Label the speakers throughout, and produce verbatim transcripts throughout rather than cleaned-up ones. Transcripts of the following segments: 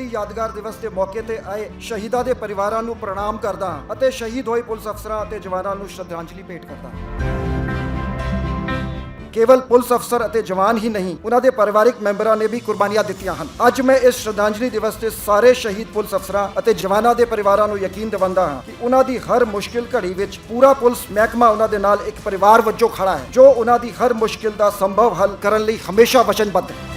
Speaker 1: ਯਾਦਗਾਰ ਦਿਵਸ ਦੇ ਮੌਕੇ ਤੇ ਆਏ ਸ਼ਹੀਦਾਂ ਦੇ ਪਰਿਵਾਰਾਂ ਨੂੰ ਪ੍ਰਣਾਮ ਕਰਦਾ ਹਾਂ ਅਤੇ ਸ਼ਹੀਦ ਹੋਏ ਪੁਲਿਸ ਅਫਸਰਾਂ ਅਤੇ ਜਵਾਨਾਂ ਨੂੰ ਸ਼ਰਧਾਂਜਲੀ ਭੇਟ ਕਰਦਾ ਹਾਂ। ਕੇਵਲ ਪੁਲਿਸ ਅਫਸਰ ਅਤੇ ਜਵਾਨ ਹੀ ਨਹੀਂ, ਉਹਨਾਂ ਦੇ ਪਰਿਵਾਰਕ ਮੈਂਬਰਾਂ ਨੇ ਵੀ ਕੁਰਬਾਨੀਆਂ ਦਿੱਤੀਆਂ ਹਨ। ਅੱਜ ਮੈਂ ਇਸ ਸ਼ਰਧਾਂਜਲੀ ਦਿਵਸ ਤੇ ਸਾਰੇ ਸ਼ਹੀਦ ਪੁਲਿਸ ਅਫਸਰਾਂ ਅਤੇ ਜਵਾਨਾਂ ਦੇ ਪਰਿਵਾਰਾਂ ਨੂੰ ਯਕੀਨ ਦਿਵਾਉਂਦਾ ਹਾਂ ਕਿ ਉਹਨਾਂ ਦੀ ਹਰ ਮੁਸ਼ਕਿਲ ਘੜੀ ਵਿੱਚ ਪੂਰਾ ਪੁਲਿਸ ਮਹਿਕਮਾ ਉਹਨਾਂ ਦੇ ਨਾਲ ਇੱਕ ਪਰਿਵਾਰ ਵਜੋਂ ਖੜਾ ਹੈ, ਜੋ ਉਹਨਾਂ ਦੀ ਹਰ ਮੁਸ਼ਕਿਲ ਦਾ ਸੰਭਵ ਹੱਲ ਕਰਨ ਲਈ ਹਮੇਸ਼ਾ ਵਚਨਬੱਧ ਹੈ।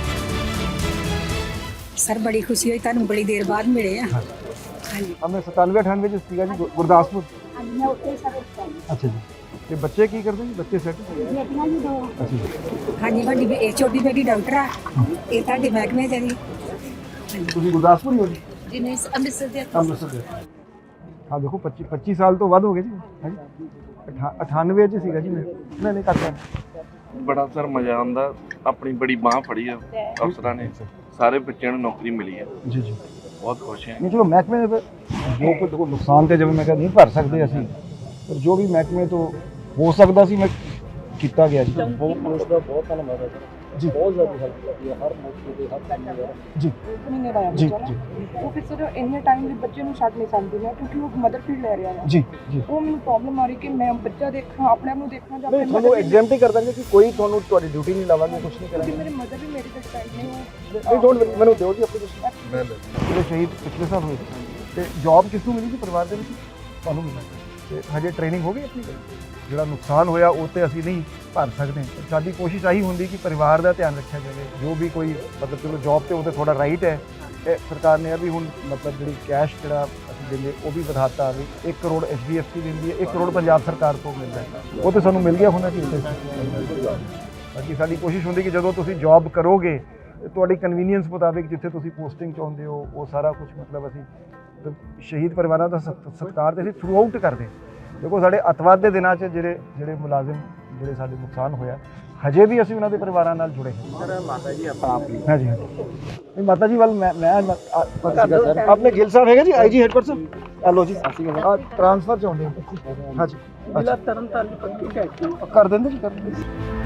Speaker 2: सर बड़ी खुशी हुई, तुहानू बड़ी देर बाद मिले हैं। हाँ जी,
Speaker 3: हमने सतानवे अठानवे च सीगा जी गुरदासपुर।
Speaker 2: हाँ जी, मैं उत्ते सर उत्ते
Speaker 3: अच्छा जी, ते बच्चे की करते जी? बच्चे सेट?
Speaker 2: बेटियां भी दो।
Speaker 3: अच्छा जी,
Speaker 2: हाँ जी, बड़ी बे- छोटी बेटी डॉक्टर है, ये तुहाडे महकमे च है जी।
Speaker 3: तुसीं गुरदासपुर ही हो जी?
Speaker 2: जी नहीं, अमृतसर दे
Speaker 3: अमृतसर दे। हाँ देखो पच्चीस पच्चीस साल तो वध हो गए जी। हाँ जी, अठा अठानवे च सीगा जी मैं नहीं नहीं करता।
Speaker 4: बड़ा सर मजा आंदा, अपनी बड़ी बांह फड़ी है अफसरां ने, सारे बच्चों को नौकरी मिली है,
Speaker 3: जी जी
Speaker 4: बहुत खुश हैं।
Speaker 3: नहीं चलो महकमे जो कोई देखो नुकसान तो जब मैं कह नहीं भर सकते असीं, पर जो भी महकमे तो हो सकता सी मैं किया गया जी। बहुत पुलिस का बहुत धन्यवाद है जी, बहुत ज़्यादा हेल्प करती है हर मौके पे हर काम में जी
Speaker 5: ਮਹੀਨੇ ਦਾ ਹੈ
Speaker 3: ਜੀ
Speaker 5: ਬੱਚਾ
Speaker 3: ਜੀ
Speaker 5: ਨਾ, ਉਹ ਫਿਰ ਸਰ ਇੰਨੇ ਟਾਈਮ ਲਈ ਬੱਚੇ ਨੂੰ ਛੱਡ ਨਹੀਂ ਸਕਦੀ ਮੈਂ, ਕਿਉਂਕਿ ਉਹ ਮਦਰ ਫੀਡ ਲੈ ਰਿਹਾ ਹੈ।
Speaker 3: जी जी
Speaker 5: ਉਹ ਮੈਨੂੰ ਪ੍ਰੋਬਲਮ ਆ ਰਹੀ ਕਿ ਮੈਂ ਬੱਚਾ ਦੇਖਾਂ, ਆਪਣੇ ਆਪ ਨੂੰ ਦੇਖਾਂ ਜਾਂ
Speaker 3: नहीं ਤੁਹਾਨੂੰ ਐਗਜ਼ੈਂਪਟ ਹੀ ਕਰ ਦਾਂਗੇ ਕਿ ਕੋਈ ਤੁਹਾਨੂੰ ਤੁਹਾਡੀ ਡਿਊਟੀ ਨਹੀਂ ਲਾਵਾਂਗੇ, ਕੁਝ ਨਹੀਂ
Speaker 5: ਕਿਉਂਕਿ
Speaker 3: ਕਰਾਂਗੇ।
Speaker 5: ਮੇਰੇ ਮਦਰ ਵੀ ਮੇਰੇ ਤੇ ਡਿਪੈਂਡ ਨੇ। ਉਹ
Speaker 3: ਨਹੀਂ ਡੋਂਟ ਮੈਨੂੰ ਦਿਓ ਜੀ ਐਪਲੀਕੇਸ਼ਨ। ਮੈਂ ਲੈ ਜਿਹੜੇ ਸ਼ਹੀਦ ਪਿਛਲੇ ਸਾਲ ਹੋਏ ਤੇ ਜੌਬ ਕਿਸ ਨੂੰ ਮਿਲੀ ਜੀ? ਪਰਿਵਾਰ ਦੇ ਵਿੱਚ ਤੁਹਾਨੂੰ ਮਿਲੀ ਤੇ ਹਜੇ ਟ੍ਰੇਨਿੰਗ ਹੋ ਗਈ ਆਪਣੀ? ਜਿਹੜਾ ਨੁਕਸਾਨ ਹੋਇਆ ਉਹ ਤੇ ਅਸੀਂ ਨਹੀਂ ਭਰ ਸਕਦੇ। ਸਾਡੀ ਕੋਸ਼ਿਸ਼ ਆਹੀ ਹੁੰਦੀ ਕਿ ਪਰਿਵਾਰ ਦਾ ਧਿਆਨ ਰੱਖਿਆ ਜਾਵੇ। ਜੋ ਵੀ ਕੋਈ ਮਤਲਬ ਚਲੋ ਜੌਬ ਤੇ ਉਹਦੇ ਥੋੜਾ ਰਾਈਟ ਹੈ, ਤੇ ਸਰਕਾਰ ਨੇ ਵੀ ਹੁਣ ਮਤਲਬ ਜਿਹੜੀ ਕੈਸ਼ ਜਿਹੜਾ ਅਸੀਂ ਦਿੰਦੇ ਉਹ ਵੀ ਵਧਾਤਾ ਵੀ ਇੱਕ crore H D F C ਦਿੰਦੀ ਹੈ, ਇੱਕ ਕਰੋੜ ਪੰਜਾਬ ਸਰਕਾਰ ਤੋਂ ਮਿਲਦਾ ਹੈ, ਉਹ ਤੇ ਸਾਨੂੰ ਮਿਲ ਗਿਆ ਹੋਣਾ ਚਾਹੀਦਾ। ਬਾਕੀ ਸਾਡੀ ਕੋਸ਼ਿਸ਼ ਹੁੰਦੀ ਕਿ ਜਦੋਂ ਤੁਸੀਂ ਜੌਬ ਕਰੋਗੇ ਤੁਹਾਡੀ ਕਨਵੀਨੀਅੰਸ ਮੁਤਾਬਿਕ ਜਿੱਥੇ ਤੁਸੀਂ ਪੋਸਟਿੰਗ ਚਾਹੁੰਦੇ ਹੋ ਉਹ ਸਾਰਾ ਕੁਝ ਮਤਲਬ ਅਸੀਂ ਸ਼ਹੀਦ ਪਰਿਵਾਰਾਂ ਦਾ ਸਤ- ਸਤਿਕਾਰ ਤੇ ਅਸੀਂ ਥਰੂ ਆਊਟ ਕਰਦੇ। ਦੇਖੋ ਸਾਡੇ ਅੱਤਵਾਦ ਦੇ ਦਿਨਾਂ 'ਚ ਜਿਹੜੇ ਜਿਹੜੇ ਮੁਲਾਜ਼ਮ ਜਿਹੜੇ ਸਾਡੇ ਨੁਕਸਾਨ ਹੋਇਆ ਹਜੇ ਵੀ ਅਸੀਂ ਉਹਨਾਂ ਦੇ ਪਰਿਵਾਰਾਂ ਨਾਲ ਜੁੜੇ ਹਾਂ। ਸਰ ਮਾਤਾ ਜੀ ਆਪਾਂ ਆਪ ਹਾਂ ਜੀ, ਨਹੀਂ ਮਾਤਾ ਜੀ ਵੱਲ ਮੈਂ ਮੈਂ ਸਰ ਆਪਣੇ ਗਿੱਲ ਸਾਹਿਬ ਹੈਗੇ ਜੀ I G head person hello ਜੀ ਟ੍ਰਾਂਸਫਰ ਚਾਹੁੰਦੇ ਹਾਂ। ਹਾਂ ਜੀ,
Speaker 5: ਜ਼ਿਲ੍ਹਾ ਤਰਨਤਾਰਨ ਪੱਕੀ ਟੈਕਸ
Speaker 3: ਕਰ ਦਿੰਦੇ ਜੀ ਕਰ ਦਿੰਦੇ